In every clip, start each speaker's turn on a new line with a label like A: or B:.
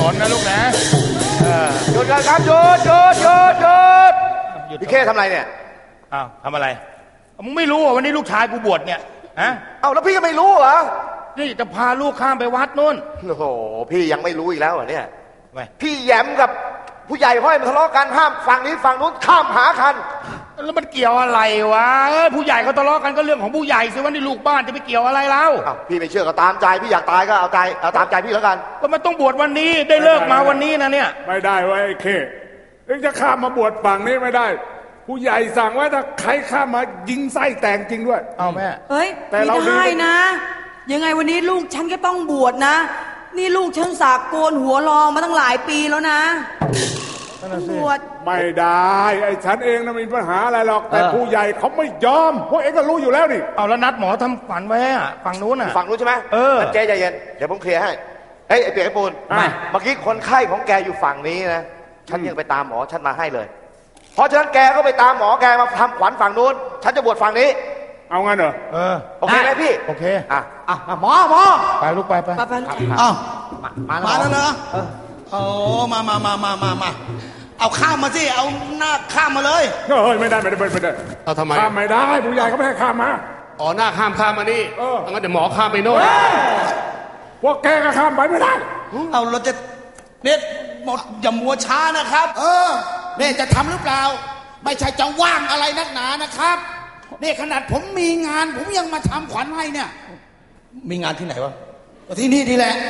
A: นนะลูกนะ
B: หยุดกันครับหยุดพี่เข้ทำอะไรเนี่ย
A: อ้าวทำอะไรมึงไม่รู้วันนี้ลูกชายกูบวชเนี่ยฮะ
B: เอ้าแล้วพี่ก็ไม่รู้เหรอ
A: นี่จะพาลูกข้ามไปวัดนู่น
B: โอ้โหพี่ยังไม่รู้อีกแล้วเหรอเนี่ยพี่แย้มกับผู้ใหญ่ห้อยมันทะเลาะกันห้ามฝั่งนี้ฝั่งนู้นข้ามหาคัน
A: แล้วมันเกี่ยวอะไรวะผู้ใหญ่เขาทะเลาะกันก็เรื่องของผู้ใหญ่สิว่านี่ลูกบ้านจะไปเกี่ยวอะไรแล้ว
B: พี่ไม่เชื่อก็ตามใจพี่อยากตายก็เอาตามใจพี่แล้วกัน
A: ก็มันต้องบวชวันนี้ได้เลิกมาวันนี้นะเนี่ย
C: ไม่ได้ไว้ไอ้เคเอ็งจะข้ามมาบวชฝั่งนี้ไม่ได้ผู้ใหญ่สั่งว่าถ้าใครข้ามมายิงไส้แตกจริงด้วย
A: เอาแม่
D: เฮ้ยไม่ได้นะยังไงวันนี้ลูกฉันก็ต้องบวชนะนี่ลูกฉันสากโกนหัวรองมาตั้งหลายปีแล้วนะบวช
C: ไม่ได้ไอ้ฉันเองนะมีปัญหาอะไรหรอกแต่ผู้ใหญ่เขาไม่ยอมพวกเองก็รู้อยู่แล้วนี่
A: เอาแล้วนัดหมอทำฝันไว้อะฝั่งนู้นอ่ะ
B: ฝั่งนู้นใช่ไหมเจ๊ใจเย็นเดี๋ยวผมเคลียร์ให้ไอ้เปียกไอ้ปูนเมื่อกี้คนไข้ของแกอยู่ฝั่งนี้นะฉันยังไปตามหมอฉันมาให้เลยเพราะฉะนั้นแกก็ไปตามหมอแกมาทำขวัญฝั่งนู้นฉันจะบวชฝั่งนี้
C: เอางั้นเหรอ
B: โอเคไหมพี่
A: โอเค
E: หมอ
A: ไปลูกไป
E: อ้าวมาแล้วเหรอโอ้มาเอาข้ามมาสิเอาหน้าข้ามมาเลย
C: เฮ้ยไม่ได้
F: เอาทำไม
C: ข้ามไม่ได้ผู้ใหญ่เขาไม่ให้ข้ามมา
F: หน้าข้ามมานี่งั้นเดี๋ยวหมอข้ามไปโน่น
C: พวกแกก็ข้ามไปไม่ได้
E: เอาเราจะเนี่ยหมดอย่ามัวช้านะครับ
G: เนี่ยจะทำหรือเปล่าไม่ใช่จะว่างอะไรนักหนานะครับเนี่ยขนาดผมมีงานผมยังมาทำขวัญให้เนี่ย
E: มีงานที่ไหนวะ
G: ที่นี่ทีแหละ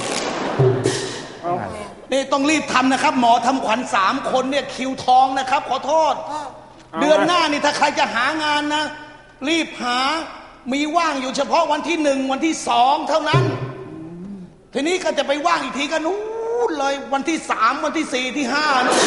E: นี่ต้องรีบทำนะครับหมอทำขวัญ3 คนเนี่ยคิวทองนะครับขอโทษเดือนหน้านี่ถ้าใครจะหางานนะรีบหามีว่างอยู่เฉพาะวันที่1วันที่2เท่านั้นทีนี้ก็จะไปว่างอีกทีก็นู้นเลยวันที่3วันที่4ที่5นู้น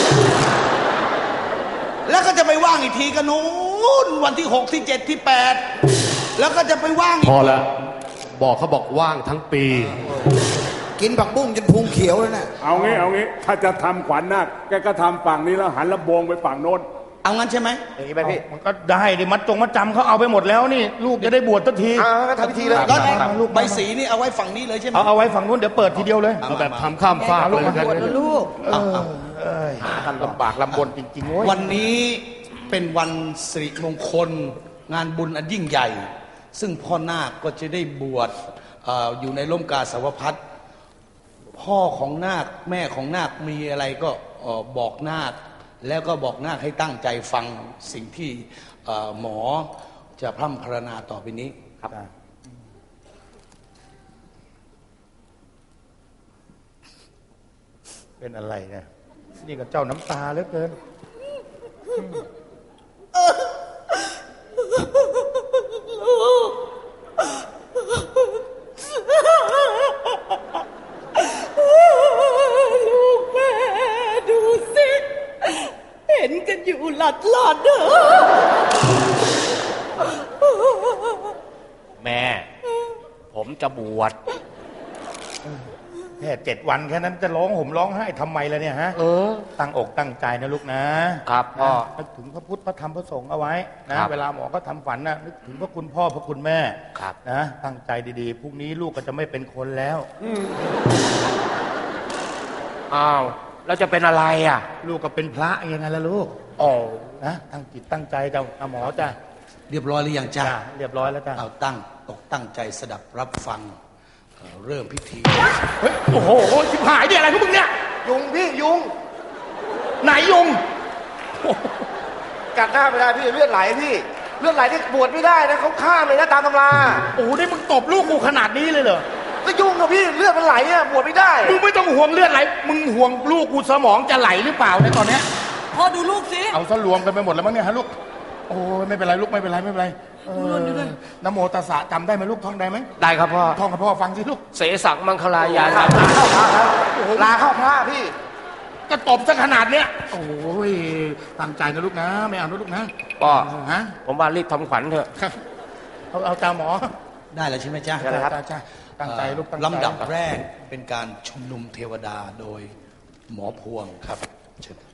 E: แล้วก็จะไปว่างอีกทีก็นู้นวันที่6ที่7ที่8แล้วก็จะไปว่าง
F: พอแล้วเขาบอกว่างทั้งปี
G: กินผักบุ้งจนพุงเขียวแล้วนะ
C: เอางี้ถ้าจะทำขวัญนาคแกก็ทำฝั่งนี้แล้วหันลำโพงไปฝั่งโน้น
E: เอางั้นใช่ไหม
B: อย่างนี้ไหมพี่
A: มันก็ได้ดิมัดจำเขาเอาไปหมดแล้วนี่ลูกจะได้บวชทันที
B: ก็ทำพิธีเลย
E: แล้วใบสีนี่เอาไว้ฝั่งนี้เลยใช่ไหม
A: เอาไว้ฝั่งนู้นเดี๋ยวเปิดทีเดียวเลย
F: เอาแบบทำข้ามฟ้า
D: ลูกลูก
A: หากันลำบากลำบนจริงๆ
E: วันนี้เป็นวันสิริมงคลงานบุญอันยิ่งใหญ่ซึ่งพ่อนาคก็จะได้บวชอยู่ในร่มกาสาวพัสต์พ่อของนาคแม่ของนาคมีอะไรก็บอกนาคแล้วก็บอกนาคให้ตั้งใจฟังสิ่งที่หมอจะพร่ำพรรณนาต่อไปนี้ครับ
A: เป็นอะไรเนี่ยนี่ก็เจ้าน้ำตาเหลือเกิน
D: ลูกแม่ดูสิเห็นกันอยู่หลัดเด้อ
A: แม่ผมจะบวชแค่7 วันแค่นั้นจะร้องห่มร้องไห้ทำไมล่ะเนี่ยฮะตั้งอกตั้งใจนะลูกนะครับพ่อนึกถึงพระพุทธพระธรรมพระสงฆ์เอาไว้นะเวลาหมอก็ทำฝันนะนึกถึงพระคุณพ่อพระคุณแม่นะตั้งใจดีๆพรุ่งนี้ลูกก็จะไม่เป็นคนแล้ว
B: อ้าวเราจะเป็นอะไรอ่ะ
A: ลูกก็เป็นพระยังไงล่ะลูกนะตั้งจิตตั้งใจจะหมอจ้ะ
E: เรียบร้อยหรือยังจ้ะ
A: เรียบร้อยแล้วจ้ะ
E: เอาตั้งใจสดับรับฟังเริ่มพิธี
A: เฮ้ยโอ้โหชิบหายดิอะไรพวกมึงเนี่ย
B: ยุงพี่ยุง
A: ไหนยุง
B: กัดหน้าไม่ได้พี่เลือดไหลพี่เลือดไหลที่บวชไม่ได้นะเขาฆ่าเลยนะตามตำรา
A: โอ้โหได้มึงตบลูกกูขนาดนี้เลยเหรอ
B: ก็ยุงกับพี่เลือดมันไหลอ่ะบวชไม่ได้
A: มึงไม่ต้องห่วงเลือดไหลมึงห่วงลูกกูสมองจะไหลหรือเปล่าในตอนเนี้ย
D: พ่อดูลูกสิ
A: เอาซะรวมกันไปหมดแล้วมั้งเนี่ยฮะลูกโอ้ไม่เป็นไรลูกไม่เป็นไรนะโมตัสสะจำได้ไหมลูกท่องได้ไหม
B: ได้ครับพ่อ
A: ท่องกับพ่อฟังสิลูก
B: เสสังมังคลายาลาเข้าพระพี่
A: ก็ตบซะขนาดเนี้ยโอ้ยตั้งใจนะลูกนะไม่เอานะลูกนะ
B: พ่อฮะผมว่ารีบทำขวัญเถอะ
A: เอาตาหมอ
E: ได้แล้วใช่ไหมจ๊ะ
A: ได้ครับตั้งใจลูก
E: ลำดับแรกเป็นการชุมนุมเทวดาโดยหมอพวงครับเชิญ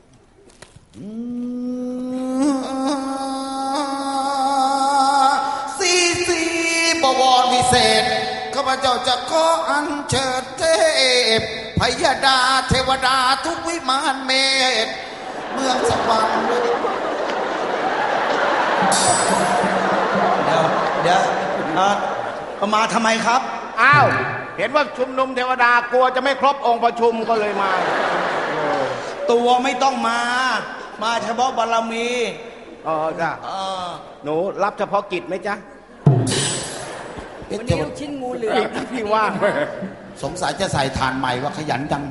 G: สีบวรวิเศษข้าพเจ้าจะขออัญเชิญเทพพยดาเทวดาทุกวิมานเมตเมืองสวรรค์
E: เดี๋ยวมาทำไมครับ
H: อ้าวเห็นว่าชุมนุมเทวดากลัวจะไม่ครบองค์ประชุมก็เลยมา
E: ตัวไม่ต้องมา มาเฉพาะบารมี
H: อ๋อจ้ะหนูรับเฉพาะกิจไหมจ๊ะ
D: วันนี้ลูกชิ้นงูเหลือม
H: พี่ว่าง
G: สงสัยจะใส่ฐานใหม่ว่าขยันจัง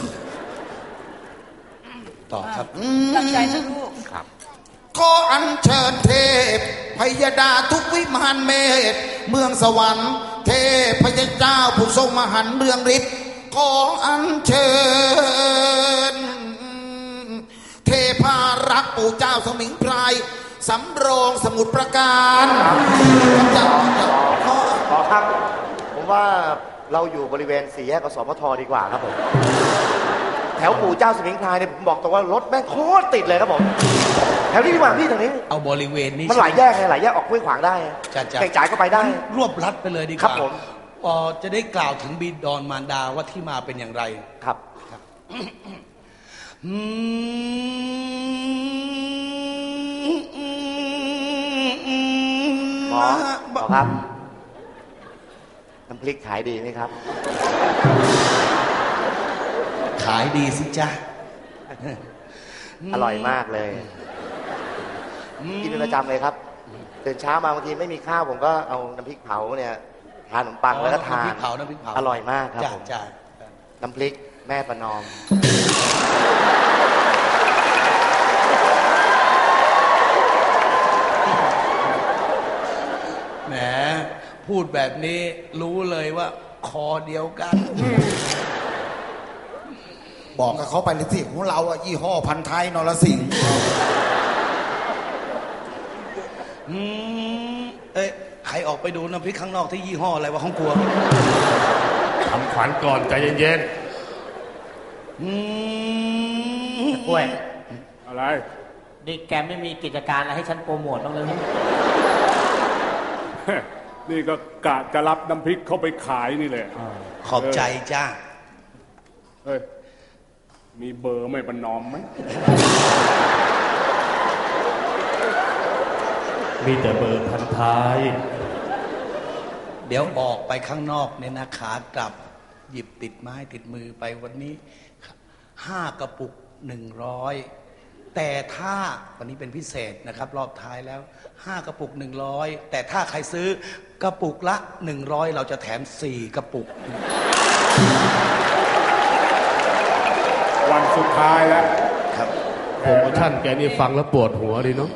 E: ต่อครับ
D: ตั้งใจนะลูก
G: ขออัญเชิญเทพพยดาทุกวิมานเมตเมืองสวรรค์เทพพยเจ้าผู้ทรงมหันต์เรืองฤทธิ์ขออัญเชิญเทพารักษ์ปู่เจ้าสมิงพรายสำโรงสมุทรปราการ
B: ขอครับผมว่าเราอยู่บริเวณสี่แยกกสมทดีกว่าครับผมแถวปู่เจ้าสมิงพรายเนี่ยผมบอกตรงว่ารถแม่งโคตรติดเลยครับผมแถวนี้ดีกว่าพี่ตรงนี้
E: เอาบริเวณนี้
B: มันหลายแยกไงหลายแยกออกห้วยขวางได้เก่งจ่ายก็ไปได้
E: รวบรัดไปเลยดีกว่า
B: ครับผม
E: จะได้กล่าวถึงบิดรมารดาว่าที่มาเป็นอย่างไร
B: ครับหมอครับน้ำพริกขายดีไหมครับ
E: ขายดีสิจ๊ะ
B: อร่อยมากเลยกินเป็นประจำเลยครับตื่นเช้ามาบางทีไม่มีข้าวผมก็เอาน้ำพริกเผาเนี่ยทานขนมปังแล้วก็ทาน
E: น้ำพริกเผา
B: อร่อยมากครับผมน้ำพริกแม่ประนอม
E: แหมพูดแบบนี้รู้เลยว่าคอเดียวกัน
G: บอกกับเขาไปเลยสิของเราอะยี่ห้อพันท้ายนรสิงห์
E: ใครออกไปดูน้ำพริกข้างนอกที่ยี่ห้ออะไรวะของกลัว
F: ทำขวัญก่อนใจเย็น
C: กล้วยอะไร
I: นี่แกไม่มีกิจการอะไรให้ฉันโปรโมทบ้างเลย
C: นี่ก็กะจะรับน้ำพริกเข้าไปขายนี่แหละ
E: ขอบใจจ้า
C: เฮ้ยมีเบอร์ไม่ประนอมไหม
F: มีแต่เบอร์พันท้าย
E: เดี๋ยวออกไปข้างนอกเนี่ยนะขากลับหยิบติดไม้ติดมือไปวันนี้5 กระปุก100แต่ถ้าวันนี้เป็นพิเศษนะครับรอบท้ายแล้ว5 กระปุก100แต่ถ้าใครซื้อกระปุกละ100เราจะแถม4 กระปุก
C: วันสุดท้ายแล้ว
E: ครับ
F: โปรโมชั่นแกนี่ฟังแล้วปวดหัวดีเนาะ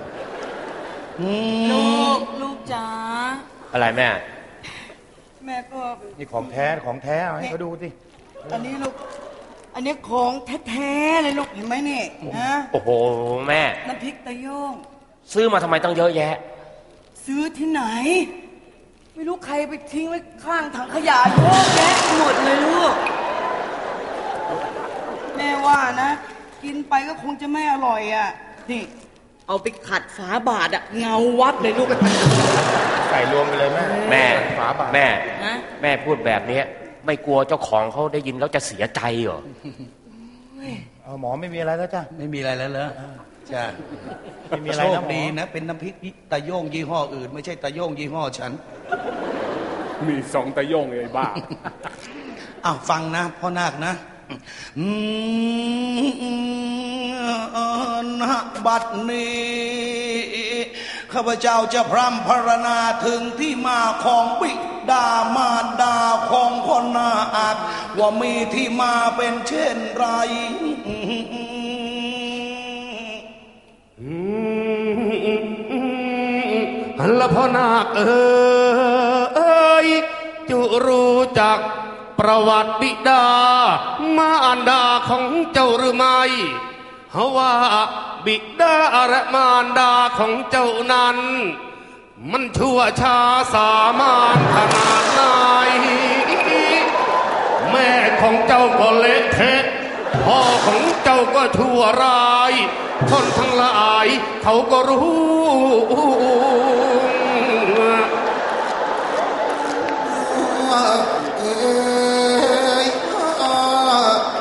D: ลูกจ๋า
F: อะไรแม่
D: ก็
A: นี่ของแท้เอาให้เขาดูสิ
D: อันนี้ลูกอันนี้ของแท้ๆเลยลูกเห็นไหมนี่นะ
I: โอ้โหแม่
D: น้ำพริกตะโยง
I: ซื้อมาทำไมต้องเยอะแยะ
D: ซื้อที่ไหนไม่รู้ใครไปทิ้งไว้ข้างถังขยะเยอะแยะหมดเลยลูกแม่ว่านะกินไปก็คงจะไม่อร่อยอ่ะนี่เอาไปขัดฝาบาทอ่ะเงาวับเลยลูก
A: ใส่รวมไปเลย
I: แม่
A: ฝาบาท
I: แม่พูดแบบนี้ไม่กลัวเจ้าของเขาได้ยินแล้วจะเสียใจเหรอ
A: หมอไม่มีอะไรแล้วจ้ะ
E: ไม่มีอะไรแล้วเหรอจ้ะ
A: ไม่มีอะไรนะ
E: ดีนะเป็นน้ำพริกตะโยงยี่ห้ออื่นไม่ใช่ตะโยงยี่ห้อฉัน
C: มี2 ตะโยงไอ้บ้า
E: ฟังนะพ่อนาคนะบัดนี้ข้าพเจ้าจะพร่ำพรรณนาถึงที่มาของบิดามารดาของพ่อนาคว่ามีที่มาเป็นเช่นไร
F: ละพ่อนาคเอ้ยจะรู้จักประวัติบิดามารดาของเจ้าหรือไม่เพราะว่าบิดาและมารดาของเจ้านั้นมันชั่วช้าสามานขนาดไหนแม่ของเจ้าก็เละเทะพ่อของเจ้าก็ชั่วร้ายคนทั้งหลายเขาก็รู้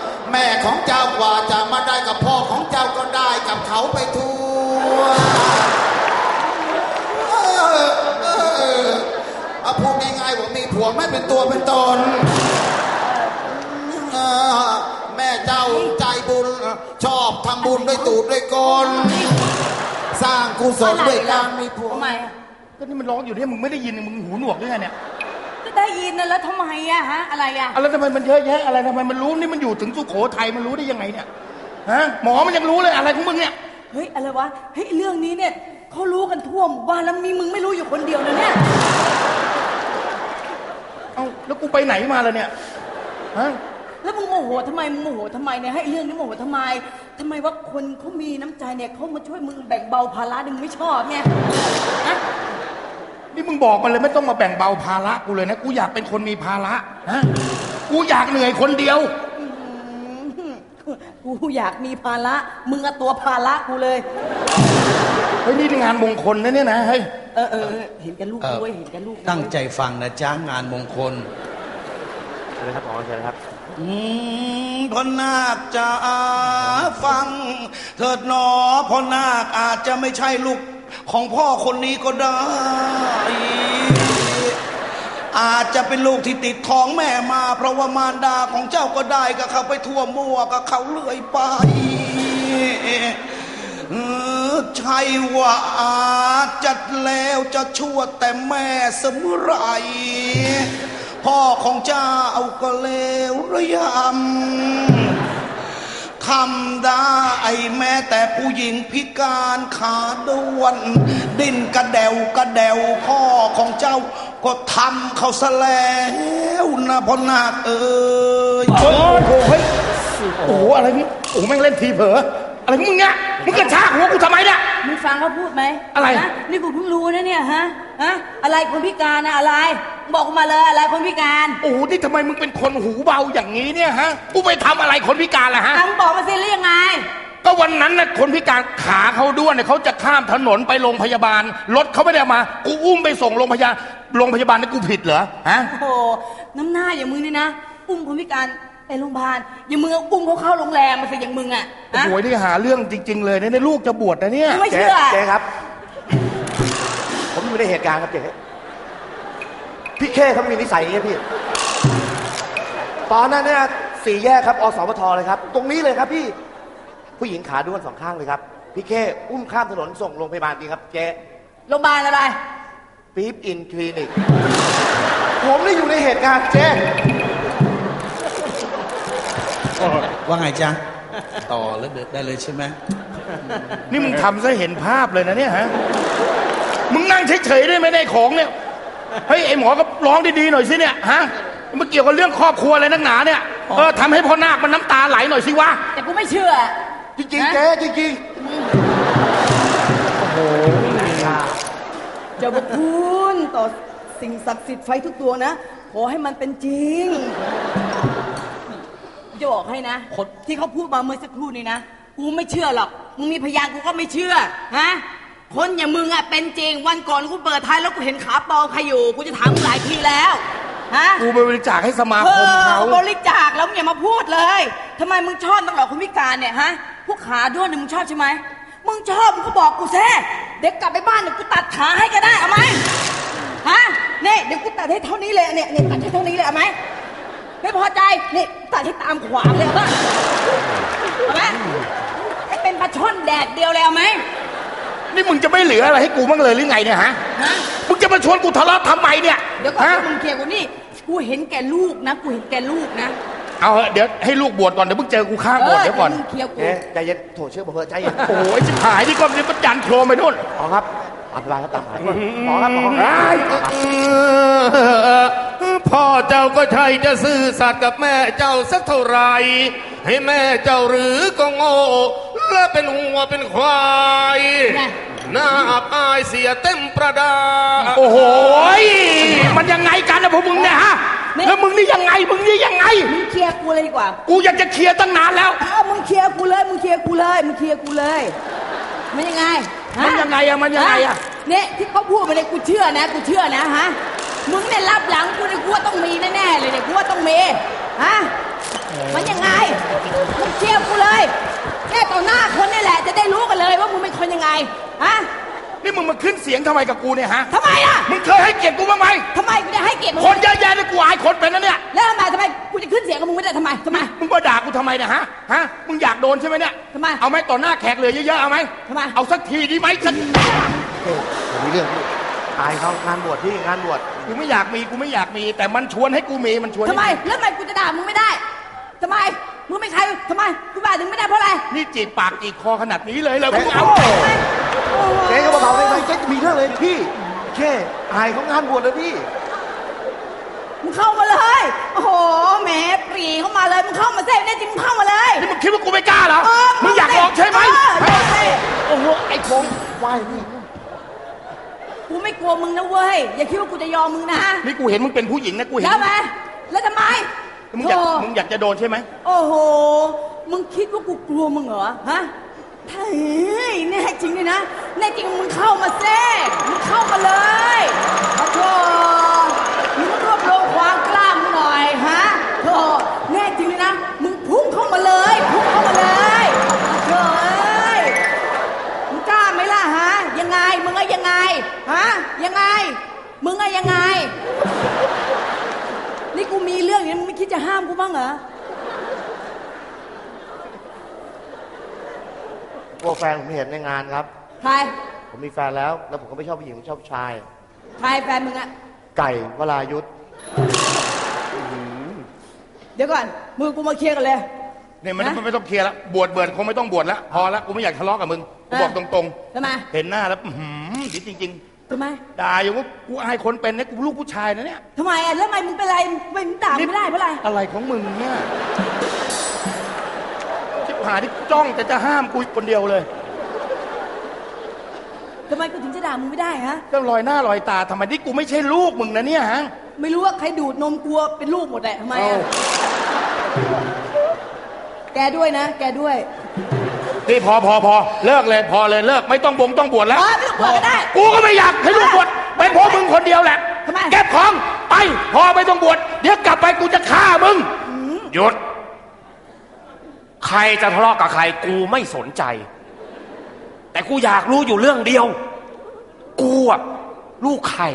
G: เขาไปทั่วพูดง่ายๆว่ามีผัวไม่เป็นตัวเป็นตนแม่เจ้าใจบุญชอบทำบุญด้วยตูดด้วยกลสร้างกุศลด้วยการมีผัว
D: ทำไมอะ
A: ก็นี่มันร้องอยู่เนี่ยมึงไม่ได้ยินมึงหูหนวกด้วยไงเนี่ย
D: ก็ได้ยินนะแล้วทำไมอะฮะอะไรอะ
A: อะไรทำไมมันเยอะแยะอะไรทำไมมันรู้นี่มันอยู่ถึงสุโขทัยมันรู้ได้ยังไงเนี่ยฮะหมอมันยังรู้เลยอะไรของมึงเนี่ย
D: เฮ้ยอะไรวะเฮ้ยเรื่องนี้เนี่ยเขารู้กันทั่วหมู่บ้านแล้วมีมึงไม่รู้อยู่คนเดียวนะเนี่ย
A: เอ้าแล้วกูไปไหนมาล่ะเนี่ยฮะ
D: แล้วมึงโมโหทำไมมึงโมโหทำไมเนี่ยให้เรื่องนี้โมโหทำไมว่าคนเขามีน้ำใจเนี่ยเขามาช่วยมึงแบ่งเบาภาระเนี่ยมึงไม่ชอบไงฮะ
A: นี่มึงบอกมันเลยไม่ต้องมาแบ่งเบาภาระกูเลยนะกูอยากเป็นคนมีภาระฮะกูอยากเหนื่อยคนเดียว
D: กูอยากมีภาระมึงอะตัวภาระกูเลย
A: เฮ้ยนี่งานมงคลนะเนี่ยนะเฮ้ย
D: เห็นกันลูกด้วยเห็นกันลูกด้วย
E: ตั้งใจฟังนะจ้างานมงคล
B: เชิญครับหมอเชิญครับ
E: พ่อนาคจะฟังเถิดหนอพ่อนาคอาจจะไม่ใช่ลูกของพ่อคนนี้ก็ได้ อาจจะเป็นลูกที่ติดท้องแม่มาเพราะว่ามารดาของเจ้าก็ได้กับเขาไปทั่วมั่วกับเขาเลื่อยไปใช่ว่าอาจจะแล้วจะชั่วแต่แม่เสมอไรพ่อของเจ้าก็เลวระยำทำได้แม้แต่ผู้หญิงพิการขาด้วนดิ้นกระเดวกระเดวพ่อของเจ้าก็ทำเขาซะแล้วนะพ่อนาคเอ้ย
A: โอ้โหเฮ้ยโอ้โหอะไรนี่โอ้โหแม่งเล่นทีเผลออะไรของมึงเนี่ยมึงกระชากหัวกูทำไมเนี่ย
D: มึงฟังเขาพูดไหม
A: อะไร
D: นะนี่กูเพิ่งรู้นะเนี่ยฮะอะไรคนพิการนะอะไรบอกกูมาเลยอะไรคนพิการ
A: โอ้โหนี่ทำไมมึงเป็นคนหูเบาอย่างนี้เนี่ยฮะกูไปทำอะไรคนพิการล่ะฮะ
D: มึงบอกมาสิแล้วยังไง
A: ก็วันนั้นน่ะคนพิการขาเขาด้วนเนี่ยเขาจะข้ามถนนไปโรงพยาบาลรถเขาไม่ได้เอามากูอุ้มไปส่งโรงพยาบาลนี่กูผิดเหรอฮะ
D: โอ้โหน้ำหน้าอย่างมึงนี่นะอุ้มคนพิการไปโรงพยาบาลอย่างมึงอุ้มเขาเข้าโรงแรมมาสิอย่างมึงอะ
A: โอ้โหนี่หาเรื่องจริงๆเลยเนี่ยลูกจะบวชนะเนี่ย
D: ไม่เชื่อ
B: เจ๊ครับ ผมอยู่ในเหตุการณ์ครับเจ๊พี่เข้เขามีนิสัยอย่างนี้พี่ตอนนั้นเนี่ยสี่แยกครับอสมทเลยครับ ตรงนี้เลยครับพี่ผู้หญิงขาด้วนสองข้างเลยครับพี่เข้อุ้มข้ามถนนส่งโรงพยาบาลจริงครับเจ๊
D: โรงพยาบาลอะไร
B: ปี๊บอินคลินิกผมได้อยู่ในเหตุการณ์เจ๊
E: ว่าไงจ๊ะต่อแล้วได้เลยใช่ไหม
A: นี่มึงทำซะเห็นภาพเลยนะเนี่ยฮะมึงนั่งเฉยๆได้ไหมในของเนี่ยเฮ้ยไอหมอก็ร้องดีๆหน่อยสิเนี่ยฮะมันเกี่ยวกับเรื่องครอบครัวอะไรนักหนาเนี่ยทำให้พ่อนาคมันน้ำตาไหลหน่อยสิวะ
D: แต่กูไม่เชื่อ
B: จริงๆเจ๊จริง
D: เจ้าพระคุณต่อสิ่งศักดิ์สิทธิ์ไฟทุกตัวนะขอให้มันเป็นจริงจะบอกให้นะที่เขาพูดมาเมื่อสักครู่นี้นะกูไม่เชื่อหรอกมึงมีพยานกูก็ไม่เชื่อฮะคนอย่างมึงอะเป็นจริงวันก่อนกูเปิดท้ายแล้วกูเห็นขาปองใครอยู่กูจะถามมึงหลายทีแล้วฮะ
A: กูไปบริจาคให้สมาคมเขา
D: บริจาคแล้วมึงอย่ามาพูดเลยทำไมมึงชอบตั้งหรอคนพิการเนี่ยฮะพวกขาด้วนเนี่ยมึงชอบใช่ไหมมึงชอบมึงก็บอกกูแท้เด็กกลับไปบ้านเดี๋ยวกูตัดขาให้ก็ได้เอาไหมฮะเนี่ยเดี๋ยวกูตัดให้เท่านี้เลยเนี่ยตัดให้เท่านี้เลยเอาไหมไม่พอใจนี่ตัดให้ตามขวางเลยเอาป่ะเอาไหมให้เป็นปลาช่อนแดดเดียวเลยเอาไหม
A: นี่มึงจะไม่เหลืออะไรให้กูบ้างเลยหรือไงเนี่ยฮะมึงจะมาชวนกูทะเลาะทำไมเนี่ย
D: เดี๋ยวก่อนมึงเคลียร์กูนี่กูเห็นแก่ลูกนะกูเห็นแก่ลูกนะ
A: เอาเดี๋ยวให้ลูกบวชก่อนเดี๋ยวมึงเจอกูข้างบวชเดี๋ยวก่อน
D: มึงเคลียร์กู
B: ๆเจ๊ใจเย็นโถเชื่อผมเถอะใจเย็น
A: โอ้ยชิบหายนี่ก็มันยันโครมไปนู่น
B: หมอครับอภิบาลครับตามหมายหมอครับหมอครับ
F: พ่อเจ้าก็ใช่จะซื่อสัตย์กับแม่เจ้าสักเท่าไหรให้แม่เจ้าหรือก็โง่และเป็นหัวเป็นควายน่าอับอายเสียเต็มประดา
A: โอ้โหมันยังไงกันนะพวกมึงเนี่ยฮะแล้วมึงนี่ยังไงมึงนี่ยังไง
D: มึงเคลียร์กูเลยดีกว่า
A: กูอยากจะเคลียร์ตั้งนานแล้ว
D: มึงเคลียร์กูเลยมึงเคลียร์กูเลยมึงเคลียร์กูเลยมันยังไง
A: มันยังไงอะมันยังไงอะ
D: เนี่ยที่เขาพูดมาเนี่ยกูเชื่อนะกูเชื่อนะฮะมึงเนี่ยรับหลังกูเนี่ยกูว่าต้องมีแน่ๆเลยเนี่ยกูว่าต้องมีฮะมันยังไงมึงเคลียร์กูเลยแค่ต่อหน้าคนนี่แหละจะได้รู้กันเลยคนยังไงฮะ
A: นี่มึงมาขึ้นเสียงทำไมกับกูเนี่ยฮะ
D: ทำไมอ่ะ
A: มึงเคยให้เกียรติกูบ้างไหม
D: ทำไมกูจะให้เกียรติมึง
A: คนเยอะแยะเลยกูอายคนเป็นนะเนี่ย
D: แล้วทำไมกูจะขึ้นเสียงกับมึงไม่ได้ทำไม
A: มึงมาด่ากูทำไมเนี่ยฮะมึงอยากโดนใช่ไหมเนี่ย
D: ทำไม
A: เอาไหมต่อหน้าแขกเหลือเยอะๆเอาไหม
D: ทำไม
A: เอาสักทีดีไหมสัก
B: ผมมีเรื่องพี่อายเขางานบวชพี่งานบวช
A: กูไม่อยากมีแต่มันชวนให้กูมีมันชวนให้
D: ทำไมแล้วทำไมกูจะด่ามึงไม่ได้ทำไมมึงไม่ใครทำไมกูด่าถึงไม่ได้เพราะอะไร
A: นี่จีบปากจีบคอขนาดนี้เลยมึงเอา
B: เจ๊ก็เบาๆได้ไหมเจ๊จะมีเรื่องเลยพี่แค่อายเขางานบวชเลยพี่
D: มึงเข้ามาเลยโอ้โหแหมปรีเข้ามาเลยมึงเข้ามาเซ่แน่จริงมึงเข้ามาเลย
A: นี่มึงคิดว่ากูไม่กล้าเหรอ มึงอยากลองใช่ไหมโอ้โหไอ้คงไหวนี่
D: กูไม่กลัวมึงนะเว้ยอย่าคิดว่ากูจะยอมมึงนะ
A: นี่กูเห็นมึงเป็นผู้หญิงนะกูเห็น
D: แล้วไหมแล้วทำไม
A: มึงอยากจะโดนใช่ไหม
D: โอ้โหมึงคิดว่ากูกลัวมึงเหรอฮะเฮ้ยแน่จริงเลยนะแน่จริงมึงเข้ามาเซ่มึงเข้ามาเลยโอ้โหมึงรวบรวมความกล้ามึงหน่อยฮะโธ่แน่จริงเลยนะมึงพุ่งเข้ามาเลยพุ่งเข้ามาเลยโธ่เอ้ยมึงกล้าไหมล่ะฮะยังไงมึงอะยังไงฮะยังไงมึงอะยังไงนี่กูมีเรื่องอย่างนี้มึงไม่คิดจะห้ามกูบ้างเหรอ
B: พวกแฟนผมเห็นในงานครับ
D: ใคร
B: ผมมีแฟนแล้วผมก็ไม่ชอบผู้หญิงผมชอบผู้ชาย
D: ใครแฟนมึงอะ
B: ไก่วรายุทธ
D: เดี๋ยวก่อนมือกูมาเคลียร์กันเลย
A: เนี่ยมันไม่ต้องเคลียร์แล้วบวชคงไม่ต้องบวชแล้วพอแล้วกูไม่อยากทะเลาะกับมึงกูบอกตรง
D: ทำไม
A: ๆเห็นหน้าแล้วดีจริง
D: ทำไม
A: ๆด่าอยู่ว่ากูอายคนเป็นนะกูลูกผู้ชายนะเนี่ย
D: ทำไมอะแล้วทำไมมึงเป็นไรมึงด่ามึงไม่ได้เพราะอะไร
A: อะไรของมึงเนี่ยชิบหายที่จ้องแต่จะห้ามกูคนเดียวเลย
D: ทำไมกูถึงจะด่ามึงไม่ได้ฮะ
A: ก็ลอยหน้าลอยตาทำไมที่กูไม่ใช่ลูกมึงนะเนี่ยฮะ
D: ไม่รู้ว่าใครดูดนมกลัวเป็นลูกหมดแหละทำไมอะแกด้วยนะ แกด้วย
A: นี่พอเลิกเลยพอเลยเลิกไม่ต้องบวชแล้ว
D: ไม่ต้องบวชก็ได้
A: กูก็ไม่อยากให้ลูกบวชเป็นเพราะมึงคนเดียวแหละ
D: ทำไม
A: เก็บของไปพอไม่ต้องบวชเดี๋ยวกลับไปกูจะฆ่ามึง
I: หยุด ใครจะทะเลาะกับใครกูไม่สนใจ แต่กูอยากรู้อยู่เรื่องเดียว กูอะลูกใคร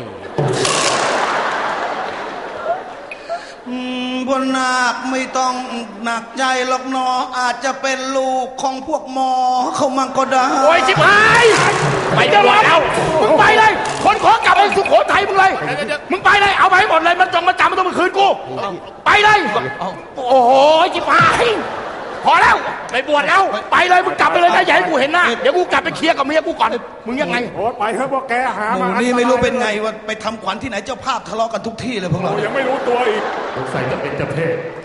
G: พวกนาคไม่ต้องหนักใจหรอกหนออาจจะเป็นลูกของพวกหมอเขามั่งก็ได้
A: โอ้ยชิบหายไปจะรอแล้วมึงไปเลยคนขอกลับไปสุโขทัยมึงเลยมึงไปเลยเอาไปให้หมดเลยมันจงมาจำมันต้องมาคืนกูไปเลยโอ้โหชิบหายพอแล้วไปบวชแล้วไปเลยมึงกลับไปเลยนะอย่าให้กูเห็นหน้าเดี๋ยวกูกลับไปเคลียร์กับเมียกูก่อนมึงยังไง
C: โอ้ไปเถอะพวกแกหา
E: ห
C: มา
E: มู่นี่ไม่รู้เป็นไงว่าไปทำขวัญที่ไหนเจ้าภาพทะเลาะกันทุกที่เลยพวกเรา
C: ยังไม่รู้ตัวอีก
F: สงสัยจะเป็นเจ้าเพศ